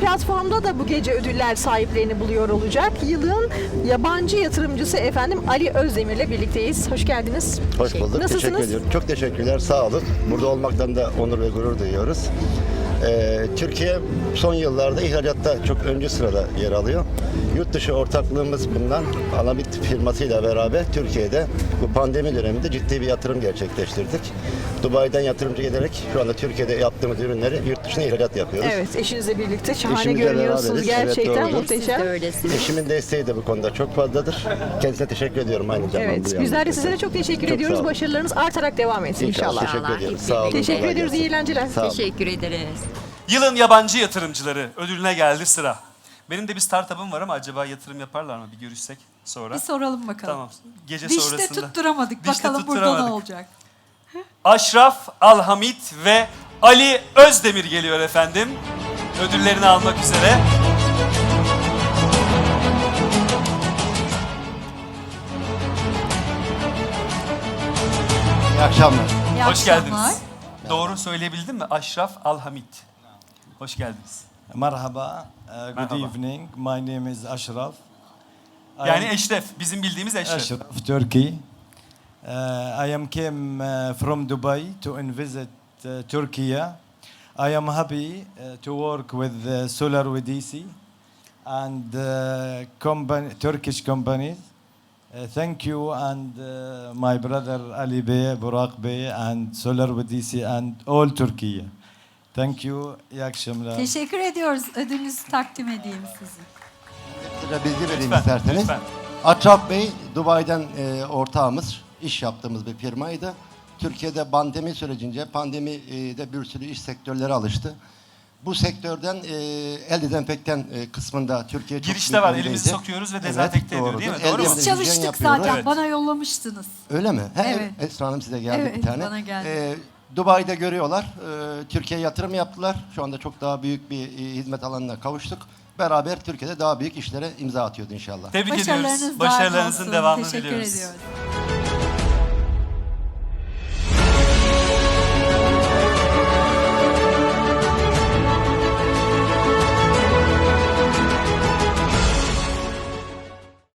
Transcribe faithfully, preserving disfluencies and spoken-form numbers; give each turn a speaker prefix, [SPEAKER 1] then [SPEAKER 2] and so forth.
[SPEAKER 1] platformda da bu gece ödüller sahiplerini buluyor olacak. Yılın yabancı yatırımcısı efendim Ali Özdemir'le birlikteyiz. Hoş geldiniz.
[SPEAKER 2] Hoş bulduk.
[SPEAKER 1] Nasılsınız?
[SPEAKER 2] Teşekkür ediyorum. Çok teşekkürler. Sağ olun. Burada olmaktan da onur ve gurur duyuyoruz. Ee, Türkiye son yıllarda ihracatta çok öncü sırada yer alıyor. Yurt dışı ortaklığımız bundan Alamit firmasıyla beraber Türkiye'de bu pandemi döneminde ciddi bir yatırım gerçekleştirdik. Dubai'den yatırımcı gelerek şu anda Türkiye'de yaptığımız ürünleri yurt dışına ihracat yapıyoruz.
[SPEAKER 1] Evet, eşinizle birlikte şahane
[SPEAKER 2] Eşimizle
[SPEAKER 1] görünüyorsunuz.
[SPEAKER 2] beraberiz.
[SPEAKER 1] Gerçekten
[SPEAKER 2] Evet, doğrudur.
[SPEAKER 1] muhteşem.
[SPEAKER 3] Siz de öylesiniz.
[SPEAKER 2] Eşimin desteği de bu konuda çok fazladır. Kendisine teşekkür ediyorum aynı zamanda.
[SPEAKER 1] Evet,
[SPEAKER 2] bu
[SPEAKER 1] bizler de
[SPEAKER 2] yandan.
[SPEAKER 1] size de çok teşekkür
[SPEAKER 2] Çok
[SPEAKER 1] ediyoruz.
[SPEAKER 2] sağ olun.
[SPEAKER 1] Başarılarınız artarak devam etsin inşallah.
[SPEAKER 2] Teşekkür
[SPEAKER 3] İnşallah.
[SPEAKER 2] ediyorum.
[SPEAKER 3] Hep
[SPEAKER 2] Sağ olun.
[SPEAKER 3] birlikte.
[SPEAKER 1] Teşekkür
[SPEAKER 2] kolay
[SPEAKER 1] ediyoruz.
[SPEAKER 2] gelsin.
[SPEAKER 1] İyi eğlenceler.
[SPEAKER 2] Sağ olun.
[SPEAKER 3] Teşekkür ederiz.
[SPEAKER 4] Yılın yabancı yatırımcıları ödülüne geldi sıra. Benim de bir startup'ım var ama acaba yatırım yaparlar mı? Bir görüşsek sonra.
[SPEAKER 5] Bir soralım bakalım.
[SPEAKER 4] Tamam. Gece
[SPEAKER 5] Dişte
[SPEAKER 4] sonrasında.
[SPEAKER 5] tutturamadık.
[SPEAKER 4] Dişte
[SPEAKER 5] bakalım burada
[SPEAKER 4] tutturamadık.
[SPEAKER 5] ne olacak?
[SPEAKER 4] Aşraf Alhamit ve Ali Özdemir geliyor efendim. Ödüllerini almak üzere.
[SPEAKER 2] İyi akşamlar.
[SPEAKER 5] İyi
[SPEAKER 4] Hoş
[SPEAKER 5] akşamlar.
[SPEAKER 4] geldiniz. Doğru söyleyebildim mi? Aşraf Alhamit. Hoş geldiniz.
[SPEAKER 6] Merhaba, uh, good
[SPEAKER 4] Merhaba.
[SPEAKER 6] evening. My name is Ashraf. I
[SPEAKER 4] Yani
[SPEAKER 6] am
[SPEAKER 4] Eşref, bizim bildiğimiz Eşref.
[SPEAKER 6] Ashraf, Turkey. Uh, I am came uh, from Dubai to visit uh, Turkey. I am happy uh, to work with uh, Solar V D C and uh, company, Turkish companies. Uh, thank you and uh, my brother Ali Bey, Burak Bey and Solar V D C and all Turkey. Thank you. İyi akşamlar.
[SPEAKER 5] Teşekkür ediyoruz. Ödülünüzü takdim edeyim size.
[SPEAKER 2] Kısaca bilgi vereyim
[SPEAKER 4] Lütfen,
[SPEAKER 2] isterseniz.
[SPEAKER 4] lütfen.
[SPEAKER 2] Atraf Bey, Dubai'den e, ortağımız, iş yaptığımız bir firmaydı. Türkiye'de pandemi sürecince, pandemide bir sürü iş sektörleri alıştı. Bu sektörden e, el dezenfektan e, kısmında Türkiye çok
[SPEAKER 4] Girişte
[SPEAKER 2] büyük
[SPEAKER 4] var,
[SPEAKER 2] öndeydi.
[SPEAKER 4] elimizi sokuyoruz ve dezenfekte ediyor, değil mi?
[SPEAKER 2] doğrudur.
[SPEAKER 4] Doğru mu?
[SPEAKER 2] El
[SPEAKER 5] Biz
[SPEAKER 2] dezenfektan
[SPEAKER 5] çalıştık
[SPEAKER 2] yapıyoruz.
[SPEAKER 5] zaten.
[SPEAKER 4] Evet.
[SPEAKER 5] Bana yollamıştınız.
[SPEAKER 2] Öyle mi? He,
[SPEAKER 5] Evet.
[SPEAKER 2] Esra Hanım size geldi
[SPEAKER 5] Evet,
[SPEAKER 2] bir tane.
[SPEAKER 5] bana geldi.
[SPEAKER 2] Ee, Dubai'de görüyorlar. Ee, Türkiye'ye yatırım yaptılar. Şu anda çok daha büyük bir e, hizmet alanına kavuştuk. Beraber Türkiye'de daha büyük işlere imza atıyoruz inşallah.
[SPEAKER 4] Tebrik
[SPEAKER 5] Başarılarınız
[SPEAKER 4] ediyoruz.
[SPEAKER 5] daim
[SPEAKER 4] Başarılarınızın
[SPEAKER 5] olsun.
[SPEAKER 4] devamını
[SPEAKER 5] Teşekkür
[SPEAKER 4] diliyoruz.
[SPEAKER 5] ediyoruz.